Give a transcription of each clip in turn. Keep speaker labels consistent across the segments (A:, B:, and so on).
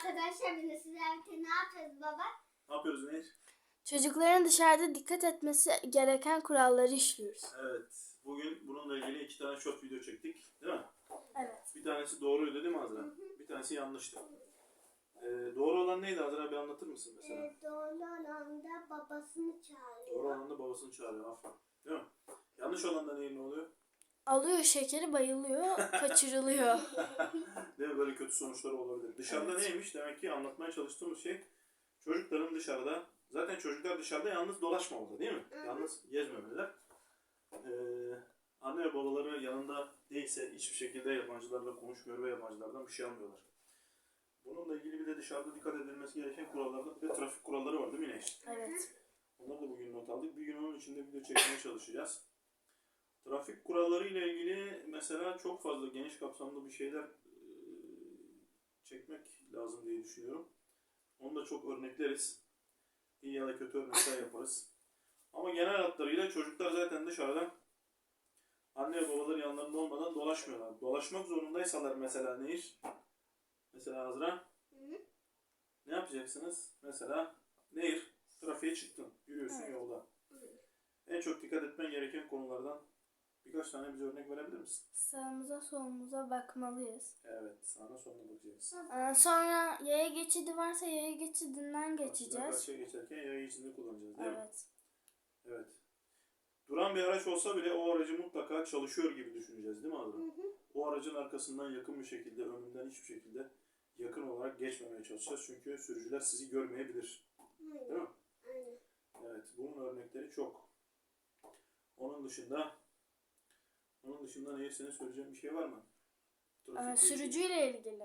A: arkadaşlar, bugün sizlerle ne yapıyoruz baba?
B: Ne yapıyoruz Nehir?
C: Çocukların dışarıda dikkat etmesi gereken kuralları işliyoruz.
B: Evet. Bugün bununla ilgili 2 tane short video çektik. Değil mi?
C: Evet.
B: Bir tanesi doğruydu değil mi Azra? Bir tanesi yanlıştı. Doğru olan neydi Azra? Bir anlatır mısın mesela?
A: Doğru olan da babasını çağırıyor.
B: Doğru olan da babasını çağırıyor. Aferin. Değil mi? Yanlış olan da ne oluyor?
C: Alıyor şekeri, bayılıyor, kaçırılıyor.
B: Değil mi? Böyle kötü sonuçları olabilir. Dışarıda
C: Evet.
B: neymiş? Demek ki anlatmaya çalıştığımız şey çocukların dışarıda, zaten çocuklar dışarıda yalnız dolaşmamalı değil mi? Yalnız gezmemeliler. Anne ve babaları yanında değilse hiçbir şekilde yabancılarla konuşmuyor ve yabancılardan bir şey almıyorlar. Bununla ilgili bir de dışarıda dikkat edilmesi gereken kurallarda bir de trafik kuralları var değil mi Neş?
C: Evet.
B: Onları da bugün not aldık. Bir gün onun içinde video çekmeye çalışacağız. Trafik kuralları ile ilgili mesela çok fazla geniş kapsamlı bir şeyler çekmek lazım diye düşünüyorum. Onu da çok örnekleriz. İyi ya da kötü örnekler yaparız. Ama genel hatlarıyla çocuklar zaten dışarıdan anne ve babaları yanlarında olmadan dolaşmıyorlar. Dolaşmak zorundaysalar mesela ne iş? Mesela Azra. Ne yapacaksınız? Mesela nehir, trafiğe çıktın. Yürüyorsun yolda. En çok dikkat etmen gereken konulardan birkaç tane bize örnek verebilir misin?
C: Sağımıza solumuza bakmalıyız.
B: Evet, sağına soluna bakacağız.
C: Sonra yaya geçidi varsa yaya geçidinden geçeceğiz.
B: Karşıya geçerken yaya geçidini kullanacağız değil mi?
C: Evet.
B: Evet. Duran bir araç olsa bile o aracı mutlaka çalışıyor gibi düşüneceğiz değil mi Azra? O aracın arkasından yakın bir şekilde, önünden hiçbir şekilde yakın olarak geçmemeye çalışacağız. Çünkü sürücüler sizi görmeyebilir. Değil mi? Evet, bunun örnekleri çok. Onun dışında Nehir, senin söyleyeceğin bir şey var mı?
C: Sürücüyle ilgili.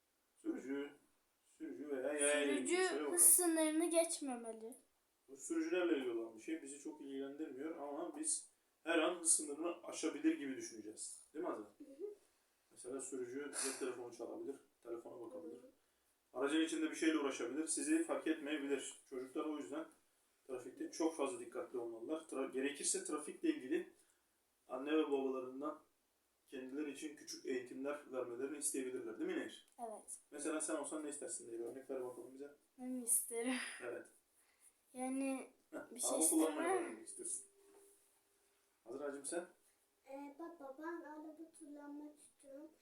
B: Sürücü veya yaya ile ilgili.
C: Sürücü
B: Söyle bakalım.
C: hız sınırını geçmemeli.
B: Bu sürücülerle ilgili olan bir şey. Bizi çok ilgilendirmiyor ama biz her an hız sınırını aşabilir gibi düşüneceğiz. Değil mi Azra? Mesela sürücü cep telefonu çalabilir, telefona bakabilir. Aracın içinde bir şeyle uğraşabilir, sizi fark etmeyebilir. Çocuklar o yüzden trafikte çok fazla dikkatli olmalılar. Gerekirse trafikle ilgili anne ve babalarından kendileri için küçük eğitimler vermelerini isteyebilirler. Değil mi Nehir?
C: Evet.
B: Mesela sen olsan ne istersin diye bir örnek ver bakalım bize.
C: Ben isterim.
B: Evet.
C: Yani bir şey
B: Araba kullanmayı
C: istemem.
B: öğrenmek istiyorsun. Azra'cığım sen?
A: Baba, ben araba kullanmak istiyorum.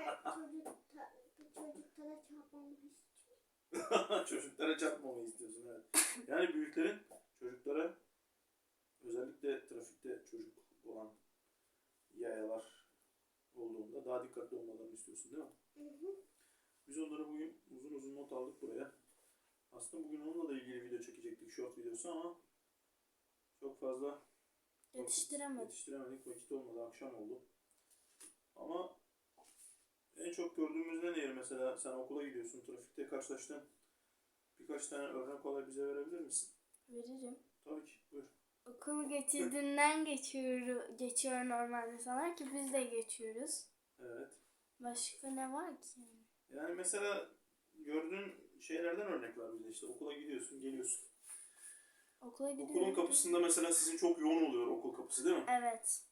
A: Çocuklara çarpmamı istiyorum.
B: Çocuklara çarpmamayı istiyorsun, evet. Yani büyüklerin çocuklara, özellikle trafikte çocuk olan yayalar olduğunda daha dikkatli olmalarını istiyorsun değil mi? Biz onları bugün uzun uzun not aldık buraya. Aslında bugün onunla da ilgili video çekecektik, short videosu, ama çok fazla yetiştiremedik. Vakit olmadı, akşam oldu. Ama en çok gördüğümüz ne Nehir? Mesela sen okula gidiyorsun, trafikte karşılaştın. Birkaç tane örnek olay bize verebilir misin?
C: Veririm.
B: Tabii ki, buyur.
C: Okul geçidinden geçiyor normal insanlar ki biz de geçiyoruz.
B: Evet.
C: Başka ne var ki?
B: Yani mesela gördüğün şeylerden örnek var bize, işte okula gidiyorsun, geliyorsun.
C: Okula gidiyoruz.
B: Okulun kapısında mesela sizin çok yoğun oluyor okul kapısı değil mi?
C: Evet.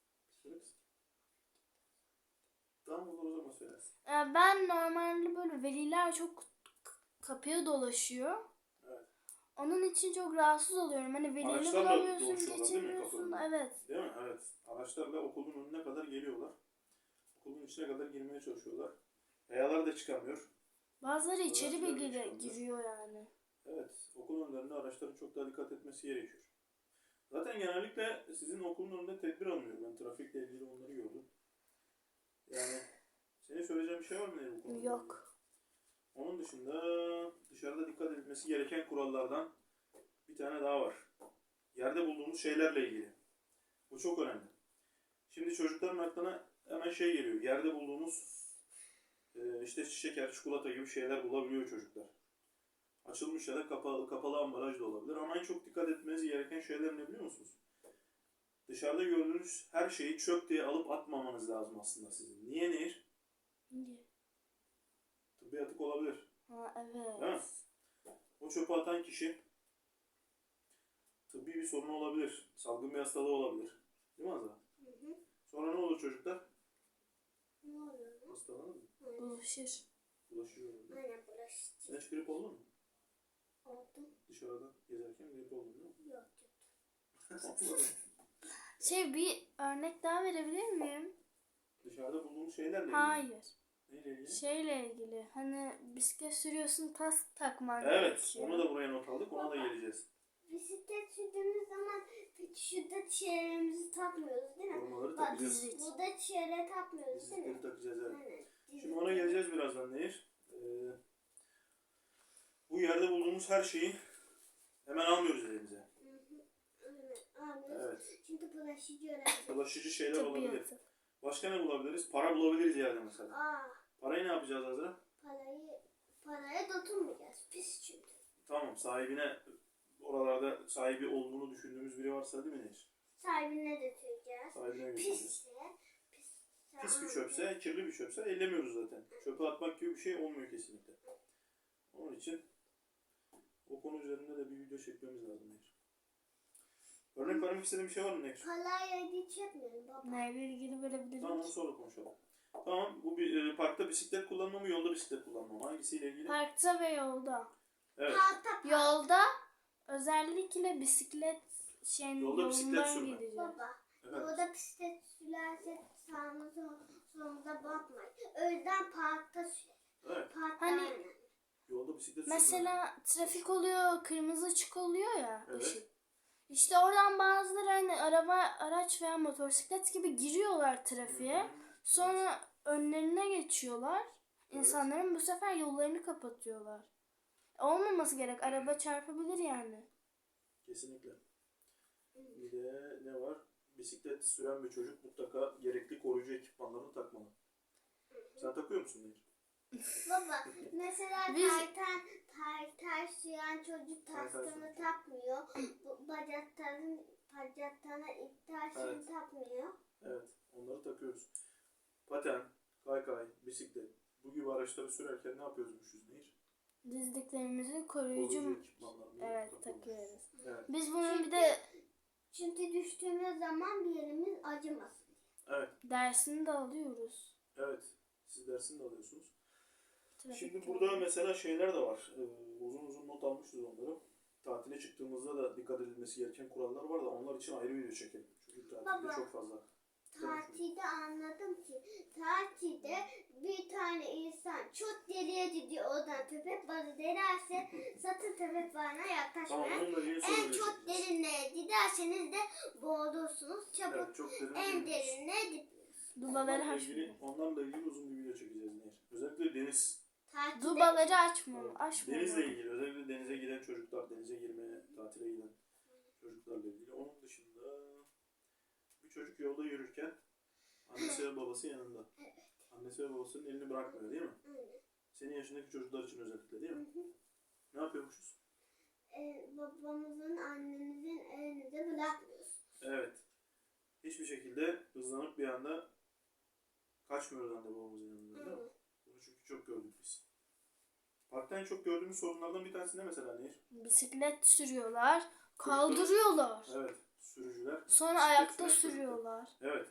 B: Tamam, olur, o zaman söylersin.
C: Ben normalde böyle veliler çok kapıya dolaşıyor.
B: Evet.
C: Onun için çok rahatsız oluyorum. Hani velini
B: Araçlarla
C: bulamıyorsun,
B: dolaşıyorlar değil mi
C: geçemiyorsun.
B: kapının?
C: Evet.
B: Değil mi? Evet. Araçlarla okulun önüne kadar geliyorlar. Okulun içine kadar girmeye çalışıyorlar. Yayalar da çıkamıyor.
C: Bazıları içeri
B: Araçlar da
C: bile
B: çıkamıyor.
C: giriyor yani.
B: Evet. Okul önlerinde araçların çok daha dikkat etmesi gerekiyor. Zaten genellikle sizin okulun önünde tedbir alınıyor. Ben trafikle ilgili onları gördüm. Yani senin söyleyeceğin bir şey var mı bu konuda?
C: Yok.
B: Onun dışında dışarıda dikkat edilmesi gereken kurallardan bir tane daha var. Yerde bulduğumuz şeylerle ilgili. Bu çok önemli. Şimdi çocukların aklına hemen şey geliyor. Yerde bulduğumuz işte şeker, çikolata gibi şeyler bulabiliyor çocuklar. Açılmış ya da kapalı ambalaj da olabilir. Ama en çok dikkat etmeniz gereken şeyler ne biliyor musunuz? Dışarıda gördüğünüz her şeyi çöp diye alıp atmamanız lazım aslında sizin. Niye Nehir?
C: Niye?
B: Tıbbi atık olabilir.
C: Ha evet.
B: Değil mi? O çöpe atan kişi tıbbi bir sorunu olabilir. Salgın bir hastalığı olabilir. Değil mi Azra? Sonra ne olur çocuklar?
A: Ne oluyor?
B: Hastalanır mı?
C: Bulaşır.
B: Bulaşıyor.
A: Aynen, bulaştı.
B: Sen hiç grip oldun mu?
A: Oldum.
B: Dışarıda gezerken grip oldun değil mi?
A: Yok.
B: Olmadı.
C: Bir örnek daha verebilir miyim?
B: Dışarıda bulduğumuz şeylerle ilgili.
C: Hayır.
B: Neyle ilgili?
C: Şeyle ilgili. Hani bisiklet sürüyorsun, kask takman
B: Evet,
C: gerekiyor.
B: onu da buraya not aldık. Ona da geleceğiz.
A: Bisiklet sürdüğümüz zaman şurada çevremizi takmıyoruz değil mi?
B: Korumaları
A: Bak
B: takacağız.
A: burada çevre takmıyoruz değil mi?
B: Bisikleri takacağız evet.
A: Aynen.
B: Şimdi ona geleceğiz birazdan Nehir. Bu yerde bulduğumuz her şeyi hemen almıyoruz elimize.
A: Aynen.
B: Evet.
A: Çünkü bulaşıcı öğrenci.
B: Bulaşıcı şeyler olabilir.
C: Tabiatı.
B: Başka ne bulabiliriz? Para bulabiliriz yerde mesela.
A: Aa,
B: Parayı ne yapacağız Azra?
A: paraya dokunmayacağız. Pis çünkü.
B: Tamam, sahibine oralarda sahibi olduğunu düşündüğümüz biri varsa değil mi Nehir?
A: Sahibine götüreceğiz.
B: Sahibine götüreceğiz.
A: Pisse.
B: Pis bir çöpse, kirli bir çöpse ellemiyoruz zaten. Çöpe atmak gibi bir şey olmuyor kesinlikle. Onun için o konu üzerinde de bir video çekmemiz lazım Nehir. Örnek vermek istediğin bir şey var mı Nehir?
A: Parayla hiç yapmıyorum baba.
C: Neyle ilgili verebilirim?
B: Tamam, sonra konuşalım. Tamam, bu parkta bisiklet kullanma mı, yolda bisiklet kullanma mı? Hangisiyle ilgili?
C: Parkta ve yolda.
B: Evet,
C: Yolda özellikle bisiklet
B: Yolda bisiklet
C: yolundan
B: sürme.
C: gideceğiz.
A: Baba.
B: evet.
A: Yolda bisiklet sürerse sağımıza solumuza bakmayın. O yüzden parkta sürer.
B: Evet,
A: Parkta
C: Hani-
A: aynen.
B: yolda bisiklet sürme.
C: Mesela trafik oluyor, kırmızı ışık oluyor ya,
B: Evet.
C: ışık. İşte oradan bazıları hani araç veya motosiklet gibi giriyorlar trafiğe. Sonra önlerine geçiyorlar. İnsanların bu sefer yollarını kapatıyorlar. Olmaması gerek. Araba çarpabilir yani.
B: Kesinlikle. Bir de ne var? Bisiklet süren bir çocuk mutlaka gerekli koruyucu ekipmanlarını takmalı. Sen takıyor musun Nehir?
A: Baba mesela
C: Biz-
A: taytay süren çocuk taskını takmıyor. Bu bacaklarına iptal şeyini
B: Evet.
A: takmıyor.
B: Evet, onları takıyoruz. Paten, kaykay, bisiklet, bu gibi araçları sürerken ne yapıyoruzmuşuz Nehir?
C: Dizdiklerimizi
B: Koruyucu
C: koruyucu
B: ekipmanlarını
C: evet
B: takıyoruz.
C: takıyoruz.
B: Evet.
C: Biz bunun bir de
A: Çünkü düştüğümüz zaman bir yerimiz acımasın.
B: Evet,
C: dersini de alıyoruz.
B: evet. Siz dersini de alıyorsunuz.
C: Trafikte.
B: Şimdi burada mesela şeyler de var. Uzun uzun not almışız onları. Tatile çıktığımızda da dikkat edilmesi gereken kurallar var da onlar için ayrı video çekelim. Çünkü tatilde
A: Baba.
B: çok fazla.
A: Tatilde anladım ki tatilde bir tane insan çok deliye gidiyor oradan köpek balığı denerse satın köpek balığına
B: Tamam,
A: yaklaşmayın.
B: onunla ilgili
A: En
B: soruları
A: çok
B: çekeceğiz.
A: derinliğe giderseniz de boğulursunuz. Çabuk
B: Evet, çok derin
A: en
B: bilmiyoruz.
A: derinliğe gitmeyin.
C: Dubaları
B: Onlarla ilgili uzun bir video çekeceğiz Nehir. Özellikle deniz.
A: Tatilde
C: Dubaları açmıyor.
B: Denizle ilgili. Özellikle denize giden çocuklar, denize girmeye, tatile giden çocuklarla ilgili. Onun dışında bir çocuk yolda yürürken annesi ve babası yanında. Annesi ve babasının elini bırakmıyor değil mi? Senin yaşındaki çocuklar için özellikle değil mi? Ne yapıyormuşuz?
A: babamızın annemizin elini de bırakmıyoruz.
B: Evet. Hiçbir şekilde hızlanıp bir anda kaçmıyoruz anne babamızın yanından değil mi? Bunu çünkü çok gördük biz. Parkta en çok gördüğümüz sorunlardan bir tanesi ne mesela Nehir?
C: Bisiklet sürüyorlar, kaldırıyorlar.
B: Evet. Sürücüler.
C: Sonra
B: bisiklet
C: ayakta
B: süren çocuklar.
C: sürüyorlar.
B: Evet.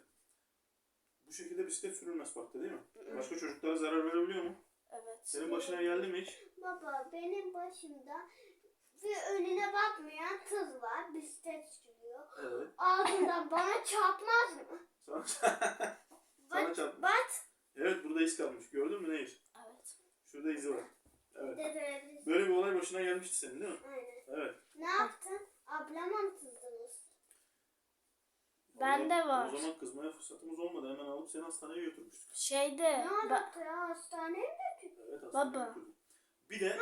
B: Bu şekilde bisiklet sürülmez parkta değil mi? Başka çocuklara zarar verebiliyor mu?
C: Evet.
B: Senin başına geldi mi hiç?
A: Baba benim başımda bir önüne bakmayan kız var bisiklet sürüyor.
B: Evet.
A: Ağzından bana çarpmaz mı?
B: Sana, sana çarptı.
A: Bak.
B: Evet, burada iz kalmış. Gördün mü Nehir?
C: Evet.
B: Şurada izi var. Evet.
A: Dede.
B: Böyle bir olay başına gelmişti senin değil mi?
A: Aynen.
B: Evet.
A: Ne yaptın? Ablama mı kızdınız?
C: Bende var.
B: O zaman kızmaya fırsatımız olmadı. Hemen alıp seni hastaneye götürmüştük.
C: Şeyde
A: Ne yaptı ya hastaneye mi?
B: Evet, hastaneye
C: Baba.
B: götürdük. Bir de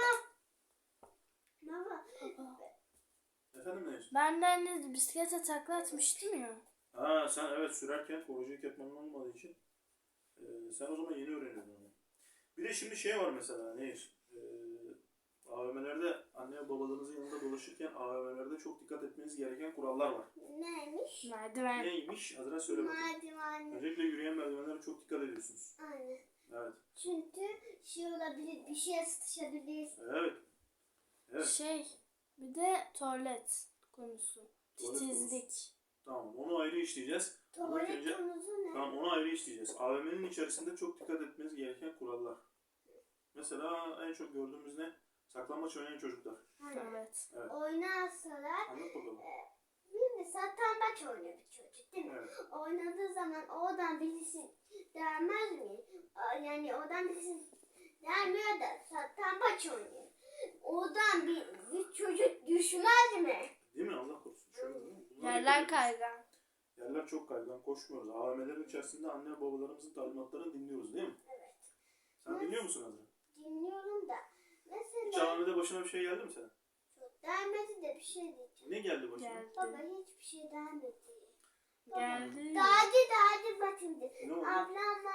A: Baba.
B: efendim Nehir?
C: ben de hani bisiklete takla atmıştım ya.
B: Ha, sen evet sürerken koruyucu ekipmanın olmadığı için sen o zaman yeni öğreniyordun onu. Bir de şimdi şey var mesela Nehir. AVM'lerde anne ve babalarınızın yanında dolaşırken AVM'lerde çok dikkat etmeniz gereken kurallar var.
A: Neymiş?
C: Merdiven.
B: Neymiş? Azra söyle bakalım.
A: Merdivenli.
B: Öncelikle yürüyen merdivenlere çok dikkat ediyorsunuz.
A: Aynen.
B: Evet.
A: Çünkü şey olabilir, bir şeye sıkışabilir.
B: Evet. Evet.
C: Bir de tuvalet konusu.
B: Tuvalet
C: Titizlik.
B: Tamam. Onu ayrı işleyeceğiz. Ama ilk
A: Tuvalet
B: önce-
A: konusu ne?
B: Tamam, onu ayrı işleyeceğiz. AVM'nin içerisinde çok dikkat etmeniz gereken kurallar. Mesela en çok gördüğümüz ne? Saklambaç oynayan çocuklar.
A: Hani
C: Evet.
B: Evet.
A: oynarsalar
B: Anlat bakalım.
A: şimdi satranç oynuyor bir çocuk değil mi?
B: Evet.
A: Oynadığı zaman oradan birisi dermez mi? Yani oradan birisi dermiyor da satranç oynuyor. Oradan bir çocuk düşmez mi?
B: Değil mi? Allah korusun. Şöyle değil mi? Bunlara
C: Yerler
B: dikkat ediyoruz.
C: kaygan.
B: Yerler çok kaygan. Koşmuyoruz. AVM'lerin içerisinde anne babalarımızın talimatlarını dinliyoruz değil mi?
A: Evet.
B: Sen dinliyor musun Azra?
A: Dinliyorum da.
B: Hiç
A: Mesela
B: AVM'de başına bir şey geldi mi senin?
A: çok dermedi de bir şey diyeceğim.
B: Ne geldi başına?
C: Geldi.
A: Baba hiçbir şey dermedi.
C: Geldi.
A: Dağcı bakın.
B: Ne oldu?
A: Ablamla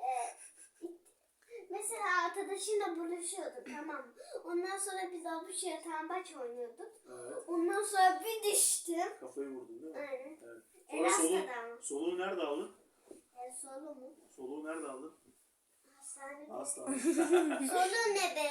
A: mesela arkadaşımla buluşuyorduk tamam mı? Ondan sonra biz avuç yatambaç oynuyorduk.
B: Evet.
A: Ondan sonra bir düştüm.
B: Kafayı vurdun değil mi?
A: Aynen.
B: Evet.
A: En
B: Sonra
A: hastadan.
B: soluğu nerede aldın?
A: Solu mu?
B: Soluğu nerede aldın?
A: Hastanede.
B: Hastanede.
A: Solu ne be?